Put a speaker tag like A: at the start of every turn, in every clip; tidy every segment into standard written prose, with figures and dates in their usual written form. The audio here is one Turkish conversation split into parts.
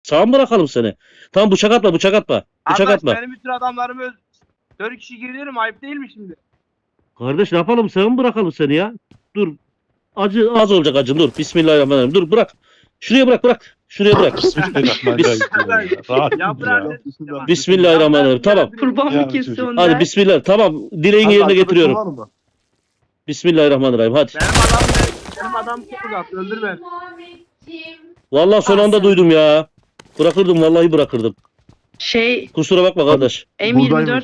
A: Sağa mı bırakalım seni? Tamam bıçak atma bıçak atma. Bıçak
B: Arkadaş
A: atma.
B: benim bütün adamlarımı 4 kişi giriyorum, ayıp değil mi şimdi?
A: Kardeş ne yapalım sağa mı bırakalım seni ya? Dur. Acı az olacak acım dur. Bismillahirrahmanirrahim. Dur bırak. Şuraya bırak bırak. Şuraya bırak.
C: Bismillahirrahmanirrahim. Rahat
B: Ya
C: dur
B: bırak
C: ya.
B: dedim işte bak.
A: Bismillahirrahmanirrahim. Tamam.
D: Kurban
C: Ya
D: mı kesti
C: çocuk.
D: onlar?
A: Hadi bismillah. Tamam. Dileğin yerine getiriyorum. Bismillahirrahmanirrahim. Hadi.
B: Benim adam çok uzak, öldür beni.
A: Vallahi son anda duydum ya. Bırakırdım vallahi bırakırdım.
D: Şey
A: Kusura bakma kardeş.
D: M24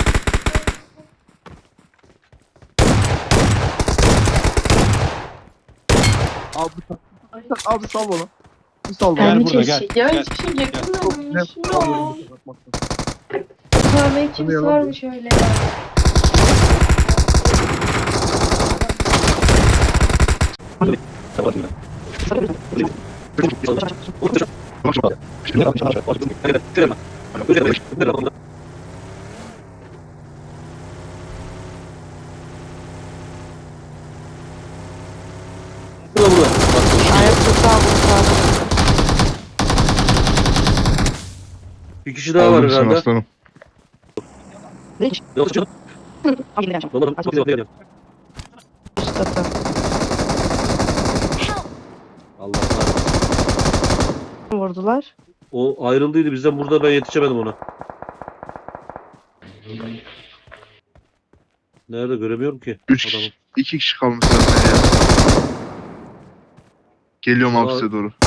E: Abi sal bana. Bir sal
C: Gel
E: bana.
C: burada, gel.
F: Ya
C: Gel.
F: hiçbir şey yakınmamış.
E: Gel.
F: Ya. Kahve kimse varmış öyle.
D: ayakta aldım.
A: Bir kişi daha var
E: Aldım seni
A: herhalde.
E: aslanım.
A: Yok canım. Allah Allah.
D: Vurdular.
A: O ayrıldıydı bizden burada ben yetişemedim ona. Nerede göremiyorum ki
E: 3
A: adamı.
E: kişi. 2 kişi kalmış zaten ya. Geliyorum abi
A: Aa.
E: size doğru.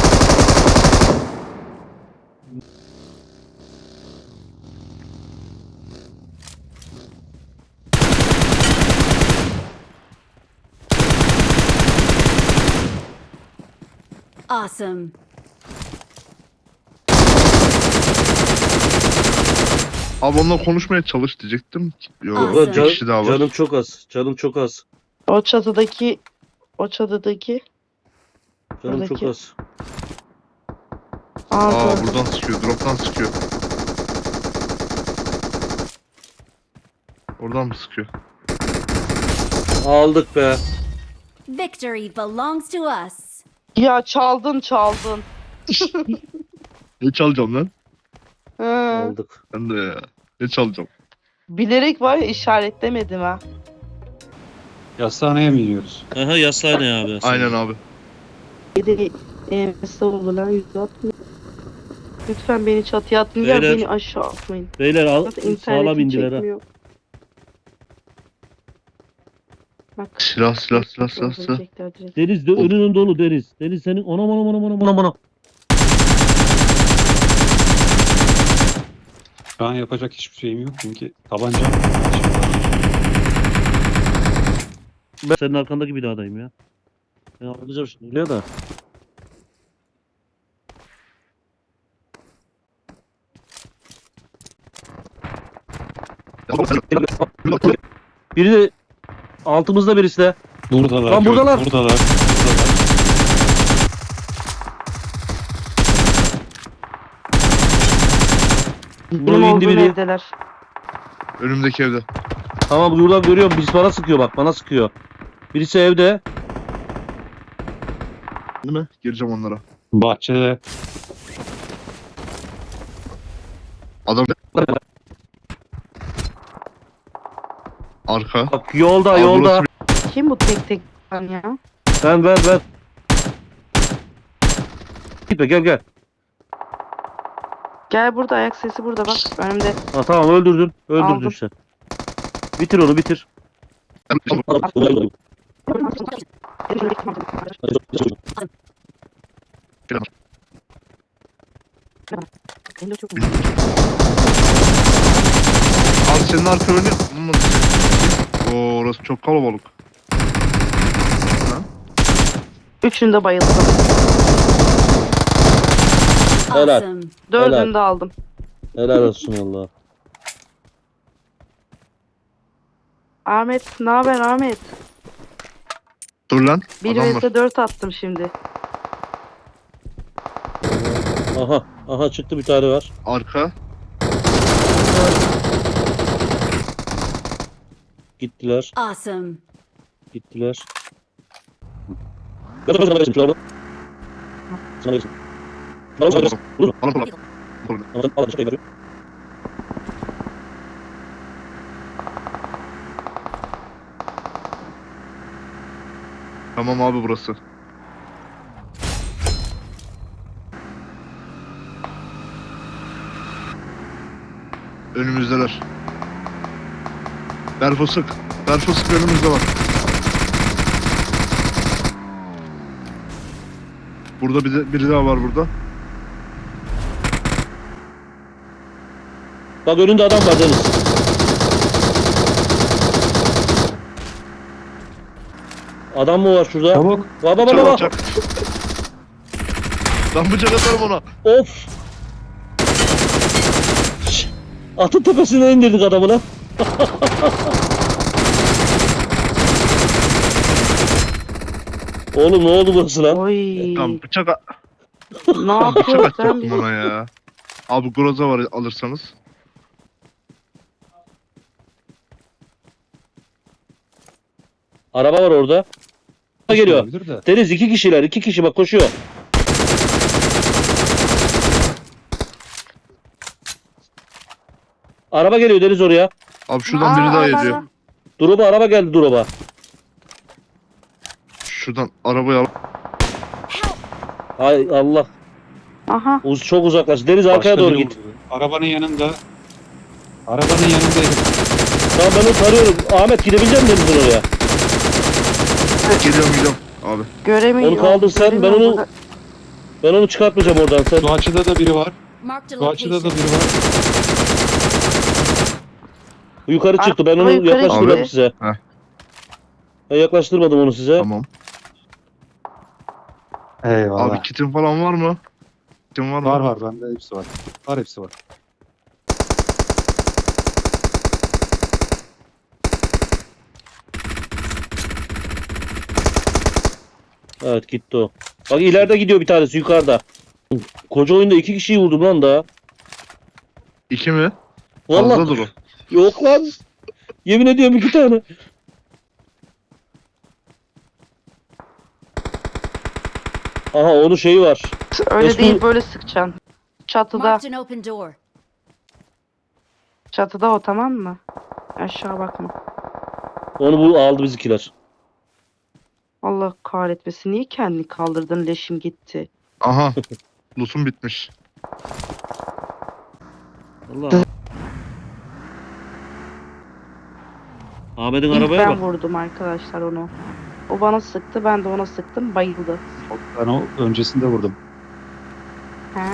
G: Awesome.
E: Abi onunla konuşmaya çalış diyecektim. Yok
G: Aa,
A: Ulan
E: bir kişi daha var.
A: canım çok az. Canım çok az.
D: O çatıdaki
A: Canım çok
D: Buradaki.
A: az.
E: Aa buradan sıkıyor. Drop'tan sıkıyor. Oradan mı sıkıyor?
A: Aldık be.
G: Victory belongs to us.
D: Ya çaldın.
E: Ne çalacağım lan?
D: Hı.
A: Aldık.
E: Ben de ya. Ne çalacağım?
D: Bilerek var ya işaretlemedim ha.
C: Yastaneye mi gidiyoruz?
A: Aha yaslayın abi. Yaslayın.
E: Aynen abi.
D: Bir de oldu lan 160. Lütfen beni çatıya atmayın ya
A: Beyler.
D: beni aşağı atmayın.
A: Beyler al,
D: Zaten
A: sağlam
D: internetim
A: indiler ha.
D: çekmiyor. Bak.
E: Silah.
D: Ölecekler direkt.
A: Deniz de önünün dolu Deniz. Deniz senin ona.
C: Şu an yapacak hiçbir şeyim yok çünkü tabancam.
A: Ben senin arkandaki binadayım ya. Ben alacağım şimdi buraya da. Biri de altımızda birisi de.
C: Buradalar.
A: Lan buradalar.
C: Buradalar.
D: Benim
A: Buraya indi
D: olduğum
A: biri.
D: evdeler.
E: Önümdeki evde.
A: Tamam buradan görüyorum. Birisi bana sıkıyor bak. Bana sıkıyor. Birisi evde.
E: Değil mi? Gireceğim onlara.
C: Bahçede.
E: Adam arka.
A: Bak yolda
E: Abi
A: yolda.
E: burası
D: Kim bu tek lan ya?
A: Ben. Gitme gel.
D: Gel burada ayak sesi burada bak önümde.
A: Ha, tamam öldürdün. Öldürdün
D: Aldım.
A: sen. Bitir onu bitir.
D: Benim de çok
E: Abi senin arka önü. Oo, orası çok kalabalık.
D: Üçünü de bayıldım.
A: Helal.
G: Awesome.
D: Dördünü de aldım.
A: Helal olsun valla.
D: Ahmet ne haber Ahmet?
E: Dur lan.
D: 1
E: Adam var.
D: vs 4 attım şimdi.
A: Aha çıktı bir tane var.
E: Arka.
A: Gittiler.
G: Awesome.
A: Gittiler.
E: Tamam abi burası. Önümüzdeler. Berfo sık. Berfo sık önümüzde var. Burada biri daha var burada.
A: Bak önünde adam var Deniz. Adam mı var şurada?
C: Çabuk.
A: Baba
E: Çabuk
A: baba.
E: çak. Lan bıçak atarım ona.
A: Of. Şş, atın tepesine indirdik adamı lan. Oğlum ne oldu burası lan?
D: Oy.
E: Tamam bıçak
D: Ne yapıyor sen
E: atacaktım
D: bizi?
E: ona ya. Abi groza var alırsanız.
A: Araba var orada. Geliyor.
C: Olabilir de.
A: Deniz 2 kişiler, 2 kişi bak koşuyor. Araba geliyor Deniz oraya.
E: Abi şuradan biri daha
D: Aa,
E: geliyor.
A: Drop'a araba geldi drop'a.
E: Şuradan arabayı al.
A: Hay Allah.
D: Aha.
A: Çok uzaklaş. Deniz arkaya
C: Başka
A: doğru
C: biri
A: git.
C: vurdu. Arabanın yanında. Arabanın yanındaydı.
A: Tamam ben onu tarıyorum. Ahmet gidebilecek misin Deniz'in oraya?
E: Geliyorum abi.
D: Göremiyorum.
A: Onu kaldır sen, ben
D: Göremiyorum
A: onu-
D: burada.
A: Ben onu çıkartmayacağım oradan. Sen
C: Şu açıda da biri var.
G: Marked a
C: Şu açıda da
G: location.
C: biri var.
A: yukarı çıktı. Ben
D: Araba
A: onu
D: yukarı
A: yaklaştırmadım
E: gitti.
A: size.
E: Heh.
A: Ben yaklaştırmadım onu size.
E: Tamam.
C: Eyvallah.
E: Abi kitin falan var mı? Kitin var mı?
C: Var bende hepsi var. Var hepsi var.
A: Evet gitti o. Bak ileride gidiyor bir tanesi yukarıda. Koca oyunda 2 kişiyi vurdum lan daha.
E: 2 mi?
A: Vallahi
E: Fazladır o.
A: yok lan. Yemin ediyorum 2 tane. Aha onun şeyi var.
D: Öyle
A: Mesut-
D: değil böyle sıkacaksın. Çatıda.
G: Marked an open door.
D: Çatıda o, tamam mı? Aşağı bakma.
A: Onu bu aldı bizimkiler.
D: Allah kahretmesin. Niye kendini kaldırdın? Leşim gitti.
E: Aha. Loot'um bitmiş.
A: Allah. Ahmet'in
D: İlk
A: arabaya
D: ben
A: bak.
D: vurdum arkadaşlar onu. O bana sıktı, ben de ona sıktım, bayıldı.
C: Ben o öncesinde vurdum.
D: Ha.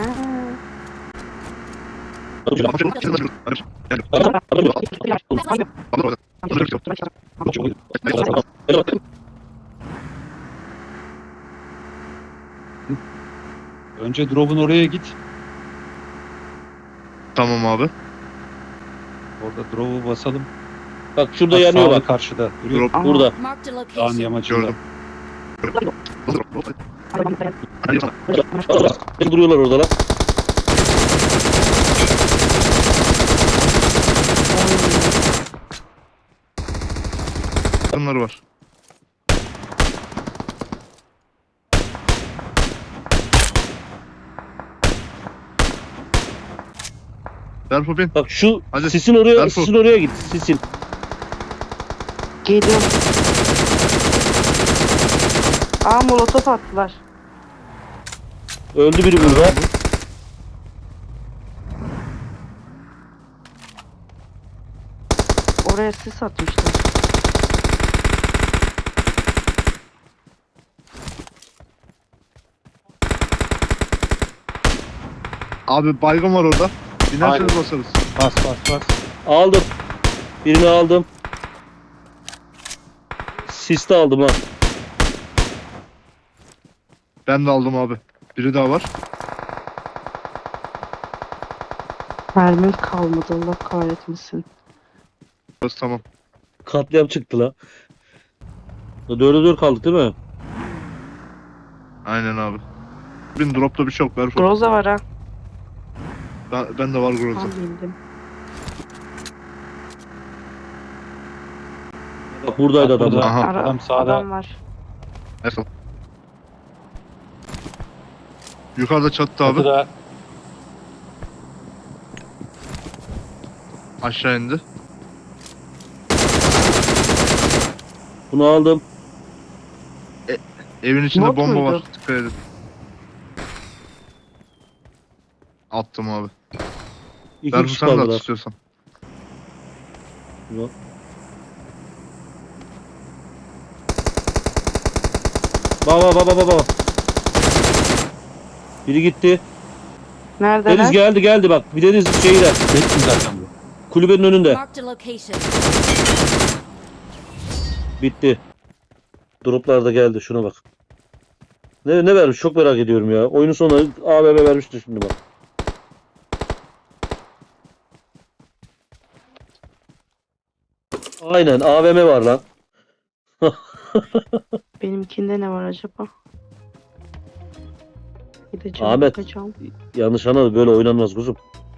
C: Önce drop'un oraya git.
E: Tamam abi.
C: Orada drop'u basalım.
A: Bak şurada
C: Bak,
A: yanıyor
C: sağda
A: bak.
C: karşıda. Duruyor.
E: Drop
D: Aha.
A: Burada.
G: Marked a
C: Dağın
G: location.
C: yamacında.
E: gördüm.
A: Duruyorlar orada lan.
E: Bunlar var. Berfo bin.
A: Bak şu
E: Hadi,
A: sisin oraya,
E: Berfu.
A: sisin oraya git. Sisin.
D: Geliyorum. Aa, molotof attılar.
A: Öldü biri burada.
D: Oraya sis atmışlar.
E: Abi baygın var orada. İnerseniz
C: Aynen.
E: basarız.
C: Bas.
A: Aldım. Birini aldım. Siste aldım ha.
E: Ben de aldım abi. Biri daha var.
D: Mermim kalmadı, Allah kahretmesin.
E: Burası tamam.
A: Katliam çıktı la. 4'e 4 kaldık değil mi?
E: Aynen abi. Bin dropta bir şey yok Berfo.
D: Groza var ha.
E: Ben de var groza.
D: Tam bildim.
A: Bak buradaydı
C: Bak
A: adam.
C: burada.
E: Aha.
C: Adam sağda.
D: Adam var.
E: Nasıl? Yukarıda çattı abi.
C: Çatıda.
E: Aşağı indi.
A: Bunu aldım.
E: Evin içinde
D: Bot
E: bomba
D: muydu?
E: var. Dikkat edin. Attım abi.
A: İki
E: Berfu
A: kişi
E: sen de at
A: kaldılar.
E: istiyorsan.
A: Ulan. Bak. Biri gitti.
D: Neredeler?
A: Deniz geldi bak. Bir Deniz şeyde.
C: Bekleyin zaten bu.
A: Kulübenin önünde.
G: Marked a location.
A: Bitti. Droplar da geldi. Şuna bak. Ne vermiş? Çok merak ediyorum ya. Oyunun sonuna AVM vermişti şimdi bak. Aynen AVM var lan.
D: Benimkinde ne var acaba? Gideceğim
A: Ahmet.
D: bakacağım.
A: Yanlış anladı, böyle oynanmaz kuzum.